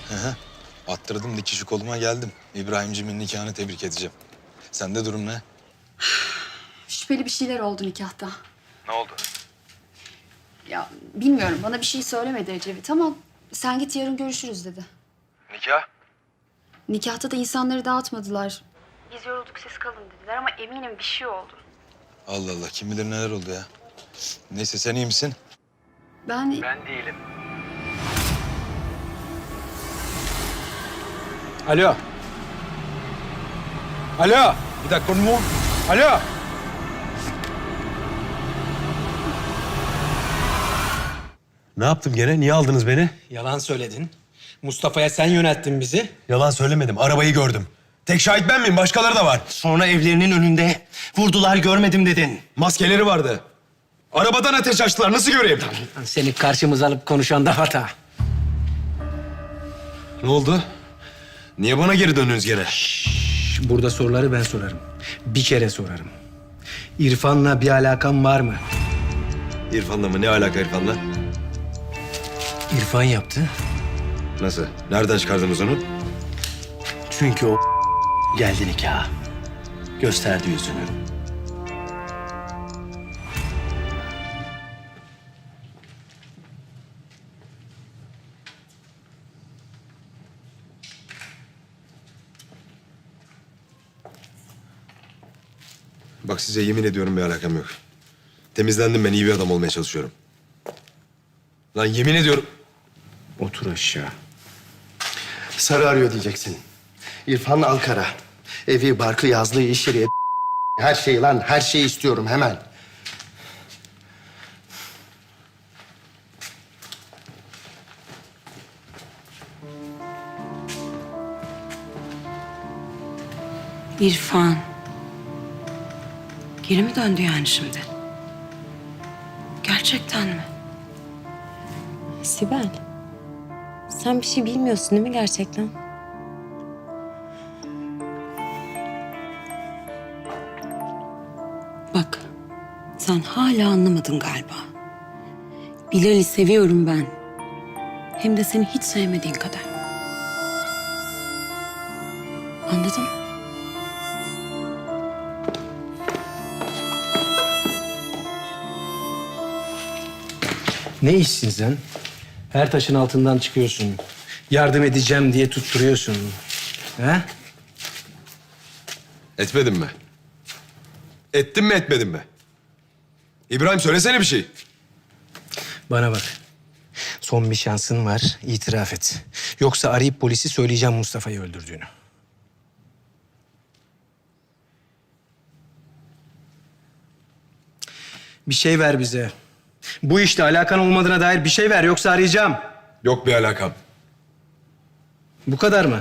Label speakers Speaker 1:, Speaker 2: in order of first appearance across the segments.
Speaker 1: Hı hı. Attırdım dikişi koluma geldim. İbrahimcimin nikahını tebrik edeceğim. Sende durum ne?
Speaker 2: Şüpheli bir şeyler oldu nikahta.
Speaker 1: Ne oldu?
Speaker 2: Ya bilmiyorum, bana bir şey söylemedi Ecevit ama sen git yarın görüşürüz dedi.
Speaker 1: Nikah?
Speaker 2: Nikahta da insanları dağıtmadılar. Biz yorulduk, siz kalın dediler ama eminim bir şey oldu.
Speaker 1: Allah Allah, kim bilir neler oldu ya. Neyse, sen iyi misin?
Speaker 2: Ben
Speaker 1: değilim.
Speaker 3: Alo. Alo. Bir dakika mu? Alo.
Speaker 4: Ne yaptım gene? Niye aldınız beni?
Speaker 3: Yalan söyledin. Mustafa'ya sen yönelttin bizi.
Speaker 4: Yalan söylemedim. Arabayı gördüm. Tek şahit ben miyim? Başkaları da var.
Speaker 5: Sonra evlerinin önünde vurdular görmedim dedin.
Speaker 4: Maskeleri vardı. Arabadan ateş açtılar. Nasıl göreyim?
Speaker 3: Seni karşımıza alıp konuşan da hata.
Speaker 4: Ne oldu? Niye bana geri döndünüz gene?
Speaker 3: Burada soruları ben sorarım. Bir kere sorarım. İrfan'la bir alakan var mı?
Speaker 4: İrfan'la mı? Ne alaka İrfan'la?
Speaker 3: İrfan yaptı.
Speaker 4: Nasıl? Nereden çıkardınız onu?
Speaker 5: Çünkü o geldi nikaha. Gösterdi yüzünü.
Speaker 4: Bak, size yemin ediyorum bir alakam yok. Temizlendim ben. İyi bir adam olmaya çalışıyorum. Lan yemin ediyorum.
Speaker 5: Otur aşağı. Sarı arıyor diyeceksin. İrfan Ankara. Evi, barkı, yazlığı, iş yeri, her şeyi lan, her şeyi istiyorum hemen.
Speaker 6: İrfan. Geri mi döndü yani şimdi? Gerçekten mi?
Speaker 7: Sibel, sen bir şey bilmiyorsun değil mi gerçekten?
Speaker 6: Bak, sen hala anlamadın galiba. Bilal'i seviyorum ben. Hem de seni hiç sevmediğin kadar. Anladın mı?
Speaker 3: Ne işsin sen? Her taşın altından çıkıyorsun. Yardım edeceğim diye tutturuyorsun. He?
Speaker 4: Etmedim mi? Ettim mi etmedim mi? İbrahim, söylesene bir şey.
Speaker 3: Bana bak. Son bir şansın var, itiraf et. Yoksa arayıp polisi söyleyeceğim Mustafa'yı öldürdüğünü. Bir şey ver bize. Bu işte alakan olmadığına dair bir şey ver, yoksa arayacağım.
Speaker 4: Yok bir alakam.
Speaker 3: Bu kadar mı?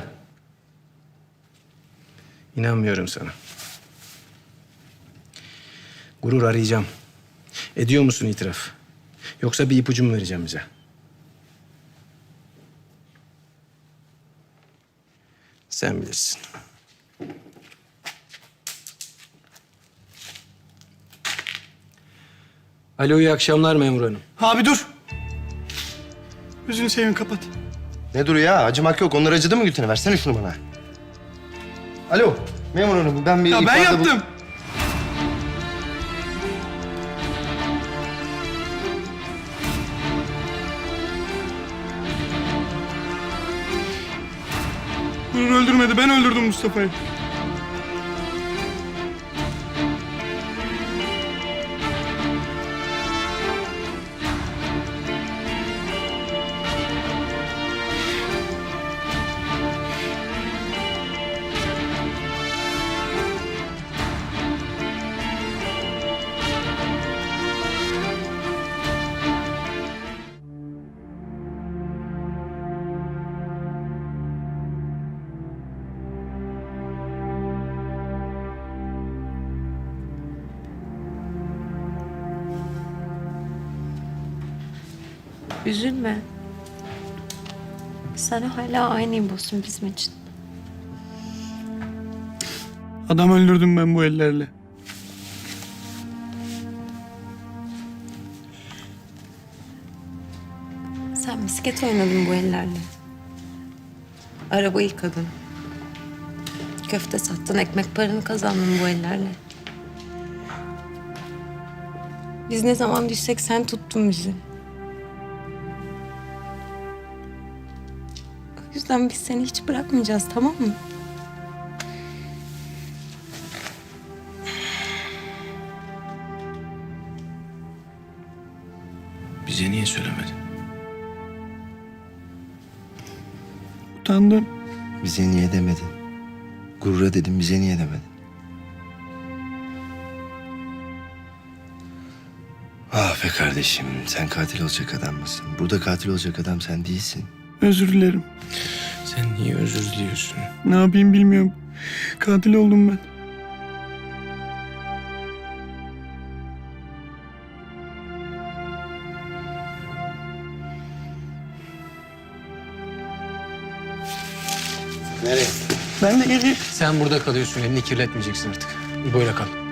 Speaker 3: İnanmıyorum sana. Gurur, arayacağım. Ediyor musun itiraf? Yoksa bir ipucu mu vereceğim bize? Sen bilirsin. Alo, iyi akşamlar memur hanım.
Speaker 8: Abi dur. Gözünü seveyim, kapat.
Speaker 5: Ne dur ya? Acımak yok. Onlar acıdı mı Gülten'e? Versene şunu bana. Alo, memur hanım. Ben bir
Speaker 8: Ya ben
Speaker 5: ifade
Speaker 8: yaptım. Gurur öldürmedi. Ben öldürdüm Mustafa'yı.
Speaker 7: Üzülme. Sen hala aynı İbo'sun bizim için.
Speaker 8: Adam öldürdüm ben bu ellerle.
Speaker 7: Sen misket oynadın bu ellerle. Araba yıkadın. Köfte sattın, ekmek paranı kazandın bu ellerle. Biz ne zaman düşsek sen tuttun bizi. O yüzden biz seni hiç bırakmayacağız, tamam mı?
Speaker 3: Bize niye söylemedin?
Speaker 8: Utandım.
Speaker 5: Bize niye demedin? Gurur'a dedim, bize niye demedin? Ah be kardeşim, sen katil olacak adam mısın? Burada katil olacak adam sen değilsin.
Speaker 8: Özür dilerim.
Speaker 3: Sen niye özür diliyorsun?
Speaker 8: Ne yapayım bilmiyorum. Katil oldum ben.
Speaker 5: Nereye?
Speaker 8: Ben de geleyim.
Speaker 3: Sen burada kalıyorsun, elini kirletmeyeceksin artık. İbo'yla kal.